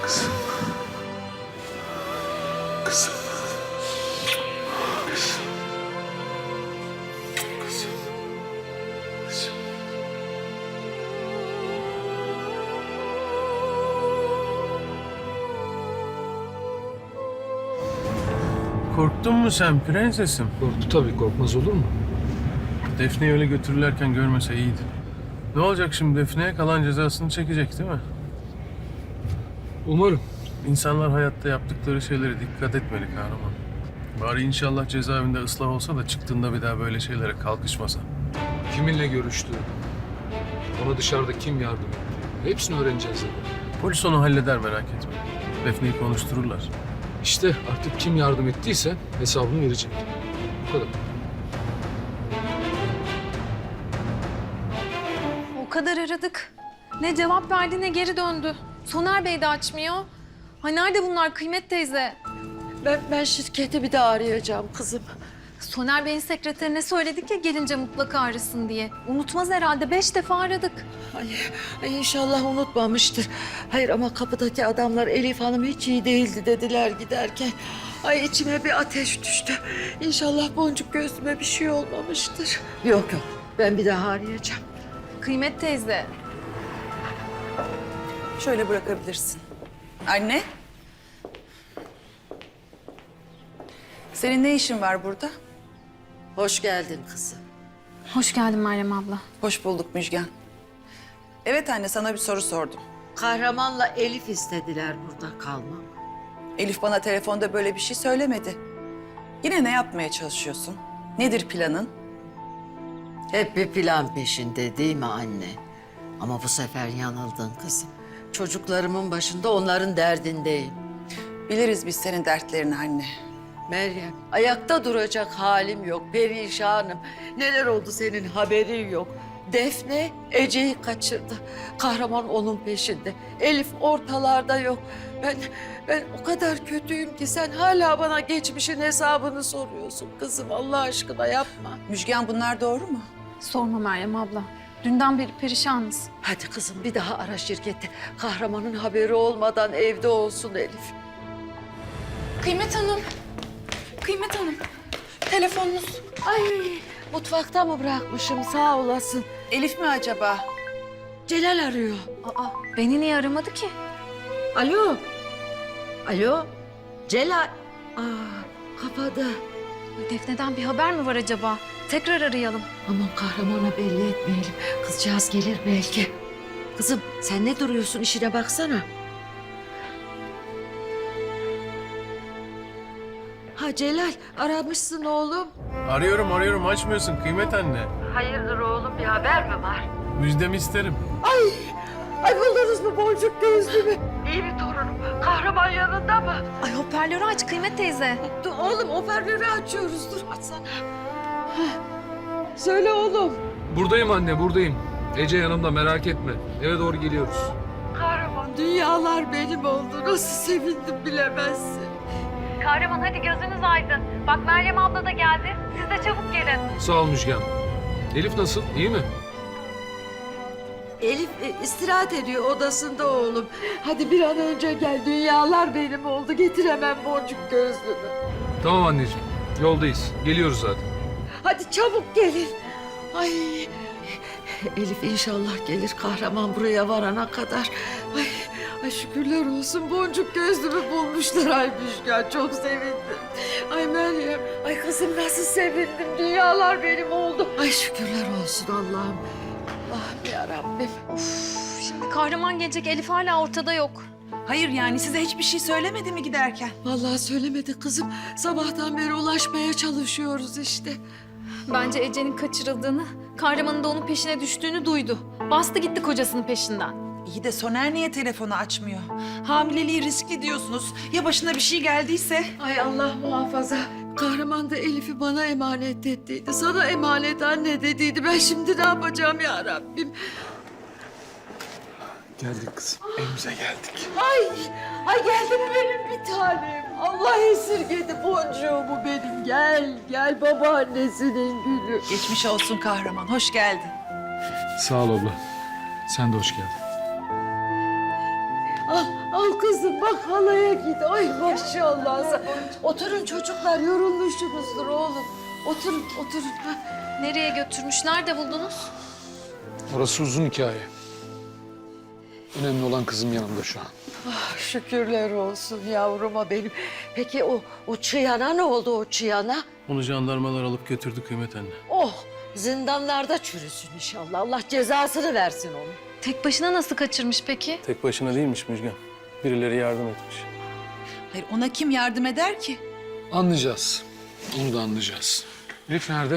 Kızım. Kızım. Kızım. Kızım. Kızım. Korktun mu sen prensesim? Korktu tabii, korkmaz olur mu? Defne'yi öyle götürürlerken görmese iyiydi. Ne olacak şimdi Defne'ye? Kalan cezasını çekecek değil mi? Umarım. İnsanlar hayatta yaptıkları şeylere dikkat etmeli kahraman. Bari inşallah cezaevinde ıslah olsa da çıktığında bir daha böyle şeylere kalkışmasa. Kiminle görüştü? Ona dışarıda kim yardım etti? Hepsini öğreneceğiz zaten. Polis onu halleder merak etme. Defne'yi konuştururlar. İşte artık kim yardım ettiyse hesabını verecek. Bu kadar. O kadar aradık. Ne cevap verdi ne geri döndü. Soner Bey de açmıyor. Ha nerede bunlar Kıymet teyze? Ben şirketi bir daha arayacağım kızım. Soner Bey'in sekreterine söyledik ya gelince mutlaka arasın diye. Unutmaz herhalde 5 defa aradık. Ay inşallah unutmamıştır. Hayır ama kapıdaki adamlar Elif Hanım hiç iyi değildi dediler giderken. Ay içime bir ateş düştü. İnşallah boncuk göğsüme bir şey olmamıştır. Yok ben bir daha arayacağım. Kıymet teyze. Şöyle bırakabilirsin. Anne. Senin ne işin var burada? Hoş geldin kızım. Hoş geldin Meryem abla. Hoş bulduk Müjgan. Evet anne, sana bir soru sordum. Kahramanla Elif istediler burada kalmamı. Elif bana telefonda böyle bir şey söylemedi. Yine ne yapmaya çalışıyorsun? Nedir planın? Hep bir plan peşinde değil mi anne? Ama bu sefer yanıldın kızım. Çocuklarımın başında onların derdindeyim. Biliriz biz senin dertlerini anne. Meryem, ayakta duracak halim yok, perişanım. Neler oldu senin haberin yok. Defne Ece'yi kaçırdı. Kahraman onun peşinde. Elif ortalarda yok. Ben o kadar kötüyüm ki sen hala bana geçmişin hesabını soruyorsun kızım. Allah aşkına yapma. Müjgan, bunlar doğru mu? Sorma Meryem abla. Dünden beri perişanız. Hadi kızım bir daha ara şirketi. Kahramanın haberi olmadan evde olsun Elif. Kıymet Hanım. Kıymet Hanım. Telefonunuz. Ay mutfakta mı bırakmışım sağ olasın. Elif mi acaba? Celal arıyor. Aa beni niye aramadı ki? Alo. Alo. Celal. Kapadı. Defne'den bir haber mi var acaba? Tekrar arayalım. Aman kahramana belli etmeyelim. Kızcağız gelir belki. Kızım sen ne duruyorsun işine baksana. Ha Celal aramışsın oğlum. Arıyorum açmıyorsun Kıymet anne. Hayırdır oğlum bir haber mi var? Müjdemi isterim. Ay buldunuz mu boncuk gözlümü? İyi mi torunum? Kahraman yanında mı? Ay hoparlörü aç Kıymet teyze. Dur oğlum hoparlörü açıyoruz dur açsana. Söyle oğlum. Buradayım anne, buradayım. Ece yanımda, merak etme. Eve doğru geliyoruz. Kahraman dünyalar benim oldu. Nasıl sevindim bilemezsin. Kahraman hadi gözünüz aydın. Bak Meryem abla da geldi. Siz de çabuk gelin. Sağ ol Müjgan. Elif nasıl, iyi mi? Elif istirahat ediyor odasında oğlum. Hadi bir an önce gel. Dünyalar benim oldu. Getir hemen boncuk gözlümü. Tamam anneciğim, yoldayız. Geliyoruz zaten. Hadi çabuk gelin. Ay Elif inşallah gelir kahraman buraya varana kadar. Ay şükürler olsun boncuk gözlümü bulmuşlar. Ay Müjgan çok sevindim. Ay Meryem, ay kızım nasıl sevindim. Dünyalar benim oldu. Ay şükürler olsun Allah'ım. Allah'ım yarabbim. Şimdi kahraman gelecek Elif hala ortada yok. Hayır yani size hiçbir şey söylemedi mi giderken? Vallahi söylemedi kızım. Sabahtan beri ulaşmaya çalışıyoruz işte. Bence Ece'nin kaçırıldığını, kahramanın da onun peşine düştüğünü duydu. Bastı gitti kocasının peşinden. İyi de Soner niye telefonu açmıyor? Hamileliği riskli diyorsunuz. Ya başına bir şey geldiyse? Ay Allah muhafaza. Kahraman da Elif'i bana emanet ettiydi. Sana emanet anne dediydi. Ben şimdi ne yapacağım ya Rabbim? Geldik kızım. Evimize geldik. Ay geldi mi benim bir tanem? Allah esirgedi boncuğumu benim. Gel babaannesinin gülü. Geçmiş olsun kahraman, hoş geldin. Sağ ol abla. Sen de hoş geldin. Al Al kızım bak halaya git. Ay maşallah. Oturun çocuklar, yorulmuşsunuzdur oğlum. Oturun, oturun. Ha. Nereye götürmüş? Nerede buldunuz? Orası uzun hikaye. Önemli olan kızım yanımda şu an. Ah, şükürler olsun yavruma benim. Peki o çıyana ne oldu o çıyana? Onu jandarmalar alıp götürdü Kıymet anne. Oh, zindanlarda çürüsün inşallah. Allah cezasını versin onu. Tek başına nasıl kaçırmış peki? Tek başına değilmiş Müjgan. Birileri yardım etmiş. Hayır, ona kim yardım eder ki? Anlayacağız. Onu da anlayacağız. Elif nerede?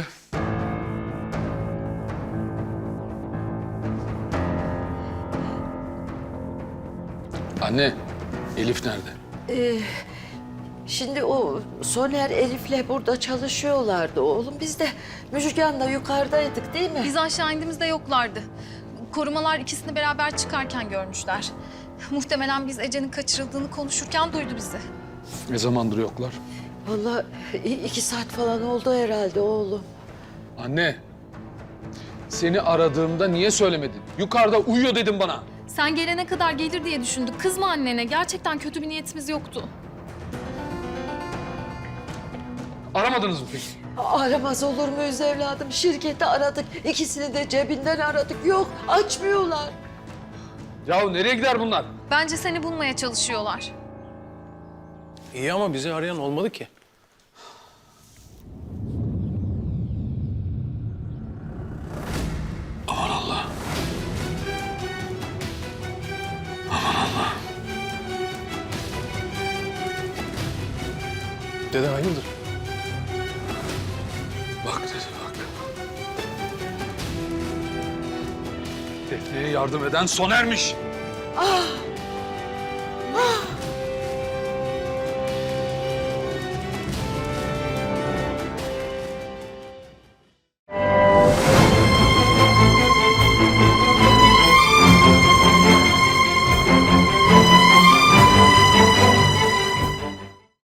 Anne, Elif nerede? Şimdi o Soner Elif'le burada çalışıyorlardı oğlum. Biz de Müjgan'la yukarıdaydık değil mi? Biz aşağı indiğimizde yoklardı. Korumalar ikisini beraber çıkarken görmüşler. Muhtemelen biz Ece'nin kaçırıldığını konuşurken duydu bizi. Ne zamandır yoklar? Vallahi 2 saat falan oldu herhalde oğlum. Anne, seni aradığımda niye söylemedin? Yukarıda uyuyor dedim bana. Sen gelene kadar gelir diye düşündük. Kızma annene. Gerçekten kötü bir niyetimiz yoktu. Aramadınız mı peki? Aramaz olur muyuz evladım? Şirketi aradık. İkisini de cebinden aradık. Yok, açmıyorlar. Yahu nereye gider bunlar? Bence seni bulmaya çalışıyorlar. İyi ama bizi arayan olmadı ki. Dede hayırdır? Bak dedi bak. Defne'ye yardım eden Soner'miş. Ah,